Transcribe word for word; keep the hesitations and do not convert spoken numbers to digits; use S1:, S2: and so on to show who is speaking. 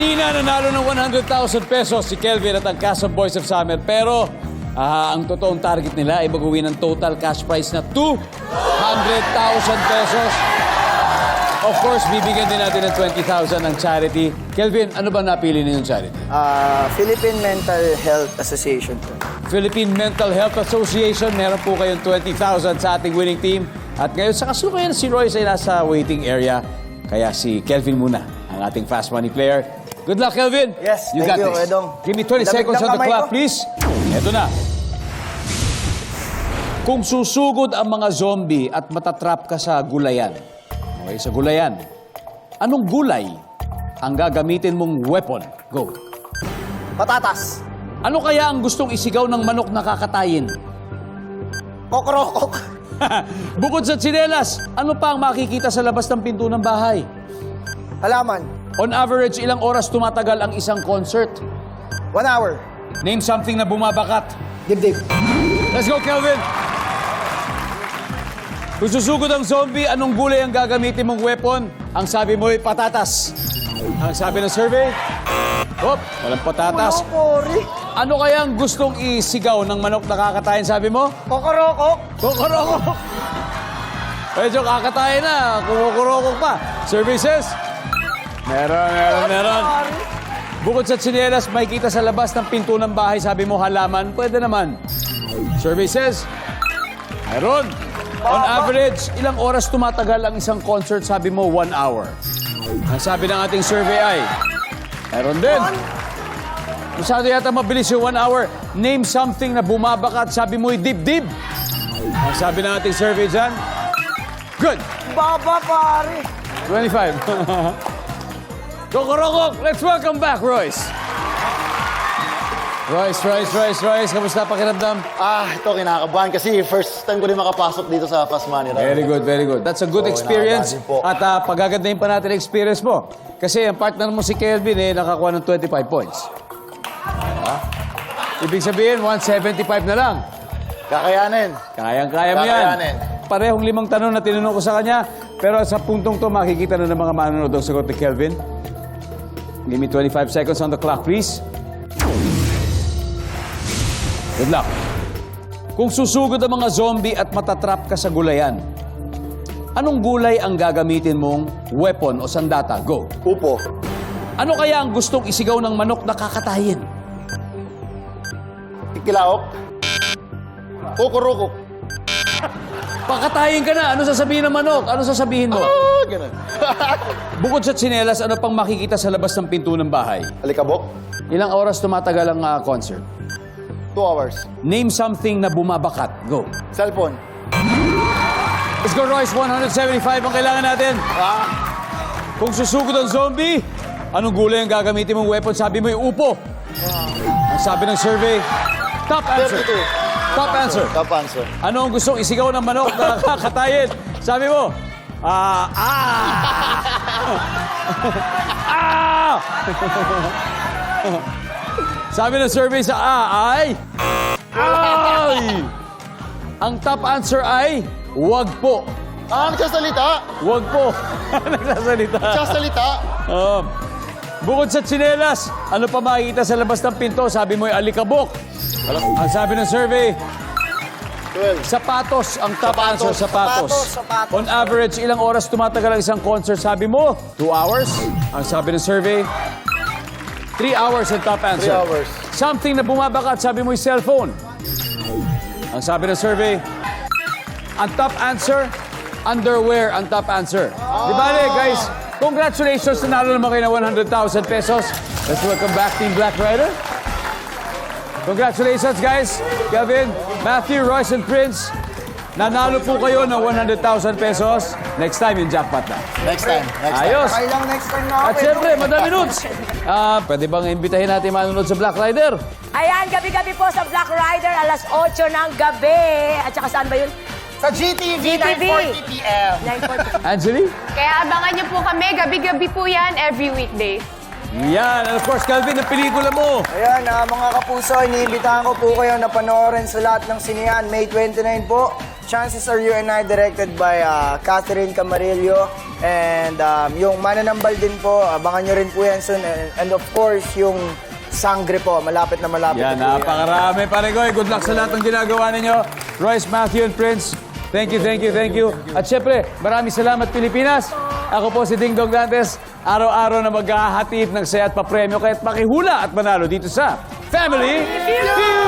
S1: Tina nanalo ng one hundred thousand pesos si Kelvin at ang cast of Boys of Summer. Pero ah, ang totoong target nila ay mag-uwi ng total cash prize na two hundred thousand pesos. Of course, bibigyan din natin ng twenty thousand ang charity. Kelvin, ano ba napili niyo yung charity?
S2: Ah, Philippine Mental Health Association po.
S1: Philippine Mental Health Association. Meron po kayong twenty thousand sa ating winning team. At ngayon, sa kasalukuyan si Royce ay nasa waiting area. Kaya si Kelvin muna, ang ating fast money player. Good luck, Kelvin.
S2: Yes,
S1: you
S2: thank
S1: got
S2: you,
S1: this.
S2: Edong.
S1: Give me twenty
S2: Lamig
S1: seconds
S2: ng
S1: on the
S2: kamay
S1: clock,
S2: ko.
S1: please. Ito na. Kung susugod ang mga zombie at matatrap ka sa gulayan, okay, sa gulayan, anong gulay ang gagamitin mong weapon? Go.
S2: Patatas.
S1: Ano kaya ang gustong isigaw ng manok na kakatayin?
S2: Kokrokok.
S1: Bukod sa tsinelas, ano pa ang makikita sa labas ng pinto ng bahay?
S2: Halaman.
S1: On average, ilang oras tumatagal ang isang concert?
S2: One hour.
S1: Name something na bumabakat.
S2: Dibdib.
S1: Let's go, Kelvin! Kung susugod ang zombie, anong gulay ang gagamitin mong weapon? Ang sabi mo ay patatas. Ang sabi ng survey? Hop, walang patatas.
S2: Kulokori.
S1: Ano kaya ang gustong isigaw ng manok na kakatayin, sabi mo?
S2: Kokorokok.
S1: Kukurokok! Medyo kakatayin na, kumukurokok pa. Survey says? Meron, meron, meron. Bukod sa tsinelas, may kita sa labas ng pinto ng bahay, sabi mo halaman, pwede naman. Survey says? Meron. On average, ilang oras tumatagal ang isang concert, sabi mo one hour. Ang sabi ng ating survey ay, meron din. Masyado yata mabilis yung one hour. Name something na bumabakat, sabi mo'y dibdib. Ang sabi ng ating survey dyan, good.
S2: Baba, pare.
S1: twenty-five. Kokorokok, let's welcome back, Royce. Royce, Royce, Royce, Royce, kamusta pakiramdam?
S3: Ah, ito kinakabahan kasi first time ko din makapasok dito sa Fast Money. Right?
S1: Very good, very good. That's a good
S3: Oo,
S1: experience.
S3: nakakabahan po.
S1: At uh, pagagandahin pa natin ang experience mo. Kasi ang partner mo si Kelvin eh, nakakuha ng twenty-five points. Ha? Ibig sabihin, one seventy-five na lang.
S3: Kakayanin.
S1: Kayang-kaya mo yan.
S3: Kakayanin.
S1: Parehong limang tanong na tinanong ko sa kanya. Pero sa puntong to, makikita na ng mga manonood ang sagot ni Kelvin. Give me twenty-five seconds on the clock, please. Good luck. Kung susugod ang mga zombie at matatrap ka sa gulayan, anong gulay ang gagamitin mong weapon o sandata? Go.
S3: Upo.
S1: Ano kaya ang gustong isigaw ng manok na kakatayin?
S3: Ikilaok. Kukurukok.
S1: Pakatayin ka na. Ano sasabihin ng manok? Ano sasabihin mo?
S3: Ah, ganun.
S1: Bukod sa tsinelas, ano pang makikita sa labas ng pinto ng bahay?
S3: Alikabok.
S1: Ilang oras tumatagal ang ah, concert?
S3: Two hours.
S1: Name something na bumabakat. Go.
S3: Cellphone.
S1: Let's go, Royce. one seventy-five ang kailangan natin.
S3: Ah,
S1: Kung susugod ang zombie, anong gulay ang gagamitin mong weapon? Sabi mo yung upo. Ang sabi ng survey, top answer.
S3: thirty-two.
S1: Top answer.
S3: Top answer.
S1: Ano ang gustong isigaw ng manok na kakatayin? Sabi mo, ah, ah. Ah! Sabi ng survey sa A ay, ay! Ang top answer ay, wag po.
S3: Ah, nagsasalita.
S1: Wag po. Nagsasalita.
S3: Nagsasalita.
S1: Oo. Bukod sa tsinelas, ano pa makikita sa labas ng pinto? Sabi mo ay alikabok. Ang sabi ng survey,
S3: twelve.
S1: sapatos. Ang top
S3: Sapatos.
S1: answer, sapatos.
S2: Sapatos, sapatos.
S1: On average, ilang oras tumatagal ang isang concert? Sabi mo, two hours. Ang sabi ng survey, three hours ang top answer.
S3: Three hours.
S1: Something na bumabakat, sabi mo yung cellphone. Ang sabi ng survey, ang top answer, underwear ang top answer. Di ba, guys? Congratulations, nanalo naman kayo ng one hundred thousand pesos. Let's welcome back Team Black Rider. Congratulations, guys. Kevin, Matthew, Royce, and Prince. Nanalo po kayo ng one hundred thousand pesos. Next time, yung jackpot na.
S3: Next time. Next time.
S1: Ayos.
S2: Kailang next time na
S1: At syempre, Madam Nudes. Ah, pwede bang imbitahin natin manonood sa Black Rider?
S4: Ayan, gabi-gabi po sa Black Rider, alas otso ng gabi. At saka saan ba yun?
S2: Sa G T V,
S4: G T V.
S2: nine forty p m
S4: nine forty.
S1: Angeli?
S5: Kaya abangan niyo po kami, gabi-gabi po yan, every weekday.
S1: Yan. And of course, Calvin, ang pelikula mo.
S2: Ayan, ah, mga kapuso, iniimbitahan ko po kayo na panoorin sa lahat ng sinihan. May twenty-nine po, Chances Are You and I, directed by uh, Catherine Camarillo. And um, yung Mananambal din po, abangan nyo rin po yan soon. And, and of course, yung Sangre po, malapit na malapit
S1: Yan,
S2: na po yan.
S1: napakarami. Pare Good luck sa lahat ng ginagawa ninyo. Royce, Matthew, and Prince, thank you, thank you, thank you. At syempre, maraming salamat, Pilipinas. Ako po si Ding Dong Dantes. Araw-araw na maghahatid ng saya at papremyo kaya't makihula at manalo dito sa Family Feud!